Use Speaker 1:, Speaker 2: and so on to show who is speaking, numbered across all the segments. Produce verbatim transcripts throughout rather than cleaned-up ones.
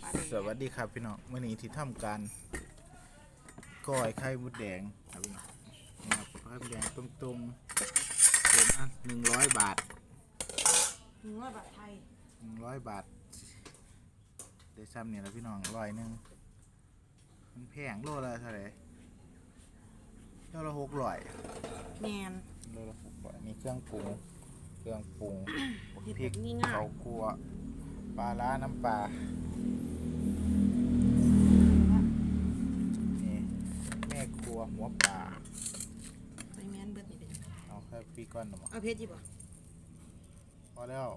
Speaker 1: สวัสดีครับพี่น้องวันนี้ที่ทำการก้อยไข่มดแดงครับพี่น้องนี่ครับไข่มดแดงตรงๆเป็นอันหนึ่งร้อยบาท
Speaker 2: หนึ่งร้อยบาทไทย
Speaker 1: หนึ่งร้อยบาทได้ซ้ำเนี่ยแล้วพี่น้องร้อยหนึ่งมันแพงโลละเท่าไหร่โลละหกร้อย
Speaker 2: แมน
Speaker 1: โลละหกร้อยมีเครื่องปรุงเครื่องปรุงพริก
Speaker 2: ข้
Speaker 1: าวคั่วปลาล้าน้ำปลาแม่ครัวหัวปลา
Speaker 2: ไปแมนเบิดนี่เป็น
Speaker 1: เอาแค่ปีก้อนหรอ
Speaker 2: เอาเพชรจีบ
Speaker 1: พอแล้ว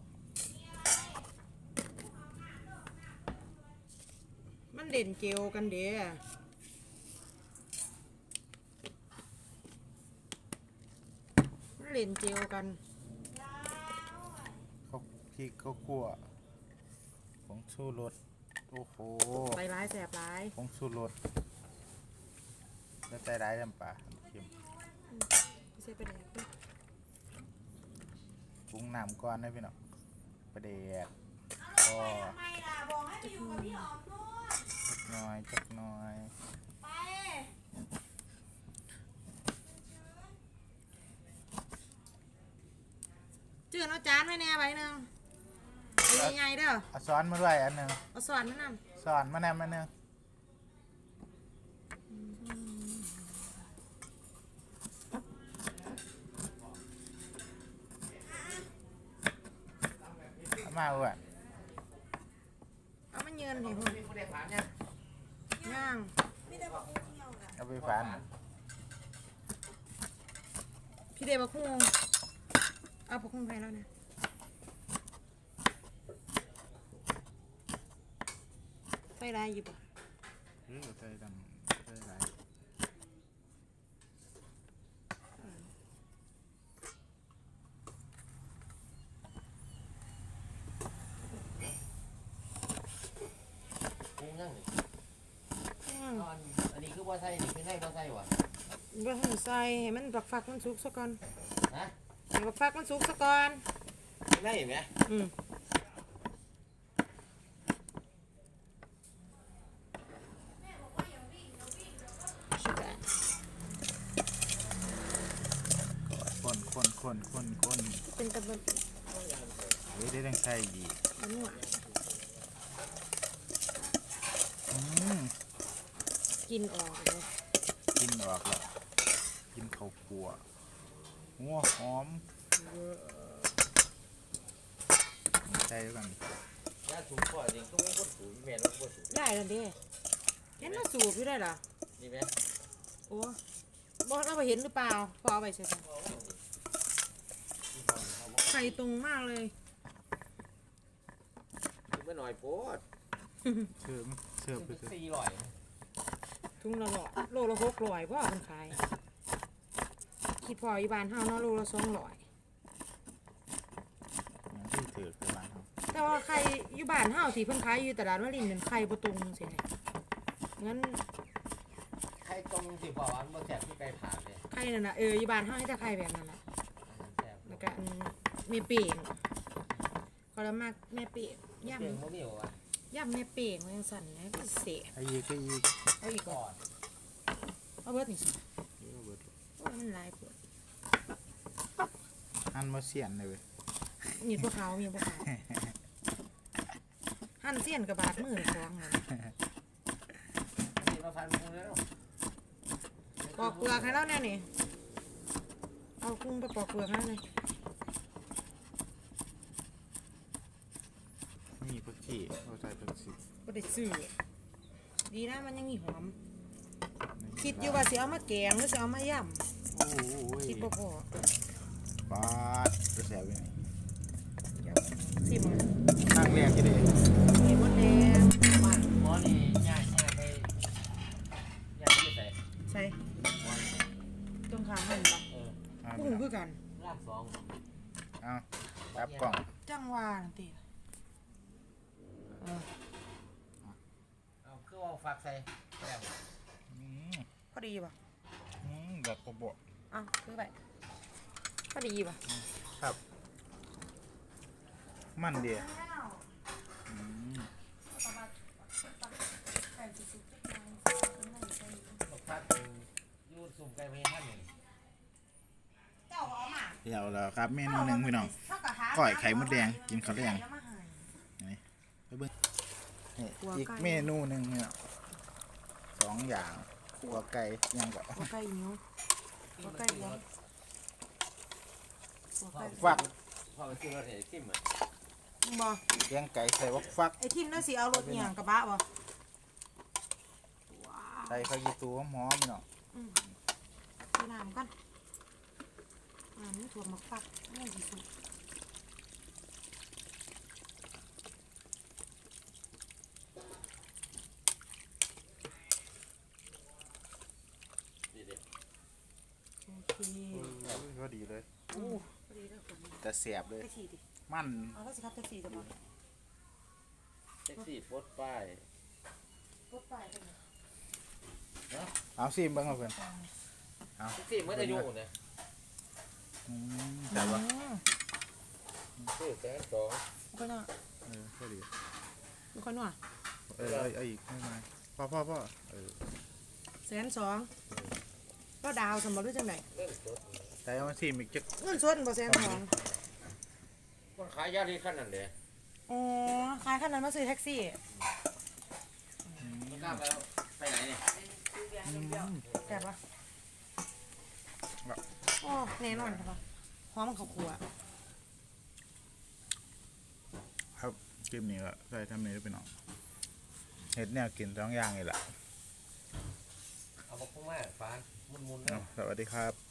Speaker 2: มันเด่นเจลกันเด้อมันเล่นเจลกัน
Speaker 1: เขาพริกเขาคั่วผงชูรสโอ้โห
Speaker 2: ไปร้ายแสบร้าย
Speaker 1: ผงชูรสแล้วใจร้ายน้ำปลาเค็ม
Speaker 2: ใส่ไปแดกด้วย
Speaker 1: ปรุงน้ำก่อนนะพี่น้องประเดี๋ยวก็จักหน่อยจักหน่อย
Speaker 2: จืดเอาจานไว้แน่ใบหนึ่งยังไงเด้อ
Speaker 1: เอาซ้อนมาด้วยอันหนึ่ง
Speaker 2: เอาสอนมาน
Speaker 1: ำซ้อนมาแนมมาหนึ่งมาอ้วน
Speaker 2: เอามาเยือนเห็นคนย่าง
Speaker 1: เอาไปฝัน
Speaker 2: พี่เดบักคุ้งเอาบักคุ้งไปแล้วนะไปได้อยู่ปะ
Speaker 1: เออใส่ดำใส่ไร
Speaker 3: กุ้งยังอันนี้คือว่าใส่นี่คือให้ว่าใส่วะ
Speaker 2: ว่าให้ใส่ให้มันบักฟักมันสุกซะก่อน
Speaker 3: นะ
Speaker 2: ให้บักฟักมันสุกซะก่อน
Speaker 3: ได้ไหม
Speaker 2: อืม
Speaker 1: คนคนคนคนคน
Speaker 2: เป็นตะบัน
Speaker 1: เฮ้ยได้ดังไข่ดี
Speaker 2: อันนี้ว่ะ
Speaker 1: อืม
Speaker 2: กินออกเลย
Speaker 1: กินออกแล้วกินข้าวคั่วหัวหอมใส่ด้วยกัน
Speaker 3: ยาสูบก่อนเองต้องพูดสูบแม่ต้องพูดสูบ
Speaker 2: ได้แล้วเด้เห็นเราสูบอยู่ได้หรอ
Speaker 3: นี่ไหม
Speaker 2: โอ้บอกเราไปเห็นหรือเปล่าพอเอาไปใช่ไหมไข่ตรงมากเลย
Speaker 3: ไม่หน่อยโพด
Speaker 1: เชื่อเชื่อไปเถอะ
Speaker 3: สี่ร้อย
Speaker 2: ทุ่งละหล่อโลละหกร้อยว่าเป็นขายคิดพออีบานเฮาเนาะโลละสองร้อย
Speaker 1: ที่ถือคือบ้านเฮา
Speaker 2: แต่ว่าไข่อยู่บ้านเฮาที่เพิ่นขายอยู่ตลาดวลินเป็นไข่บ่ตรงจังซี่นะงั้น
Speaker 3: ไข่ตรงสิพอวันบ่แซ่บที่ไก่ผ่านเลย
Speaker 2: ไข่นั่นน่ะเอออยู่บ้านเฮาให้แต่ไข่แบบนั้นแหละแล้วก็อันแม่เป่งก็ละมากแม่เป่งย่ำ
Speaker 3: เป่งบ่มีวะ
Speaker 2: ย่ำแม่เป่งมันจังสั่นนะก็เสีย
Speaker 1: ไอ้ยีก็ยี
Speaker 2: เอาอีกก่อนเอาเบิดนี่สิโอ้มันหลายปวด
Speaker 1: หั่นมาเสียนเลยเว้ย
Speaker 2: มีพวกเขามีพวกเขาหั่นเสียนกับบาดมือคล้องเลย
Speaker 3: นี่มาฟันมือแล้ว
Speaker 2: ปอกเปลือกให้แล้วเนี่ยนี่เอากุ้งไปปอกเปลือกให้เลย
Speaker 1: นี่ผักชีเราใส่ผักชี
Speaker 2: ก็ได้ซื้อดีนะมันยังมีหอมคิดอยู่ว่าสิเอามาแกงหรือสิเอามาย่ำคิดบ่พอ
Speaker 1: ปาดจะแสบยังไง
Speaker 2: สิม
Speaker 1: ตั้งแรกจะได้
Speaker 2: มีมดแดง
Speaker 3: หมอนี่ย่างย่างไปย่างที่ใส่
Speaker 2: ใส่ตรงขาหันปะกุ้งคือกัน
Speaker 3: รากสอง
Speaker 1: เอาจับกล่อง
Speaker 2: จังหวะนั่นติเออ
Speaker 3: เอาคือว่าฝากใส่แล้ว
Speaker 2: พอดีป่ะ
Speaker 1: อืมแบบกระบอก
Speaker 2: อ้าวคือไปพอดีป่ะ
Speaker 1: ครับมันเดียว
Speaker 3: สุ่มไก่ไม่ท่านเลย
Speaker 2: เจ้าเอามา
Speaker 1: เดี๋ยวแล้วครับเมนูหนึ่งพี่น้องก้อยไข่มดแดงกินข้าวแดงนี่ไปเบิ่งนี่อีกเมนูหนึ่งเนี่ยสองอย่างขัวไก่ยังกับ
Speaker 2: หัวไก่เหนียวหัวไก่เหนียวหัวไก่
Speaker 1: ฟัก
Speaker 3: พอไปซื้อรถเห็นทิมอ่ะ
Speaker 2: บ่
Speaker 1: เลี้ยงไก่ใส่วักฟัก
Speaker 2: ไอ้ทิมน่าสิเอารถเหี่ยงกระบะบ่ว้าว
Speaker 1: ใส่ข้าวยีตัวหอมๆพี่น้อง
Speaker 2: ใส่น้ำกันอ่านี่ถั่วหมักฟักนี่สิสุก
Speaker 3: ดีดิ
Speaker 2: โอเค
Speaker 1: ก็ดีเลย
Speaker 2: อู้พอดีแล้วคน
Speaker 1: แต่เสียบเลย
Speaker 2: แท็กซี่ดิ
Speaker 1: มัน
Speaker 2: เอาแล้วสิครับแท็กซี่จะบ่
Speaker 3: แท็กซี่โพสต์ป้าย
Speaker 2: รถไฟเป็นไง
Speaker 1: เอาซิมเบ้างเอาเพื่อนเอา
Speaker 3: แท็กซี่เมื่ออายุเนี่ย
Speaker 1: อืมแต่ว่า
Speaker 2: อืม
Speaker 3: ซื้อแสนสอง
Speaker 2: มันก็น่ะ
Speaker 1: เออก็ดี
Speaker 2: มันก็น่ะ
Speaker 1: เออเอาเอาอีกไม่เป็นไรพ่อพ่อพ่อเออ
Speaker 2: แสนสองก็ดาวสมบัติด้วยจังได
Speaker 3: เล่นสด
Speaker 1: แต่เอามาซิมอีกจัก
Speaker 2: เงินสดบ่แสนสอง
Speaker 3: คนขายยาที่ขั้นนั้นเลย
Speaker 2: อ๋อขายขนาดมาซื้อแท็กซี่
Speaker 3: มันกล้าไปแล้วไปไหนเนี่ย
Speaker 2: แซ่บปะโอ้แน่นอนครับปะหอมข้าวคั่ว
Speaker 1: ครับคลิปนี้ก็ใส่ทำนี้ด้วยพี่น้องเห็ดแนวกินสองอย่างนี่แหละ
Speaker 3: เอามาพุ่งมากฟานมุนๆนะ
Speaker 1: เอาสวัสดีครับ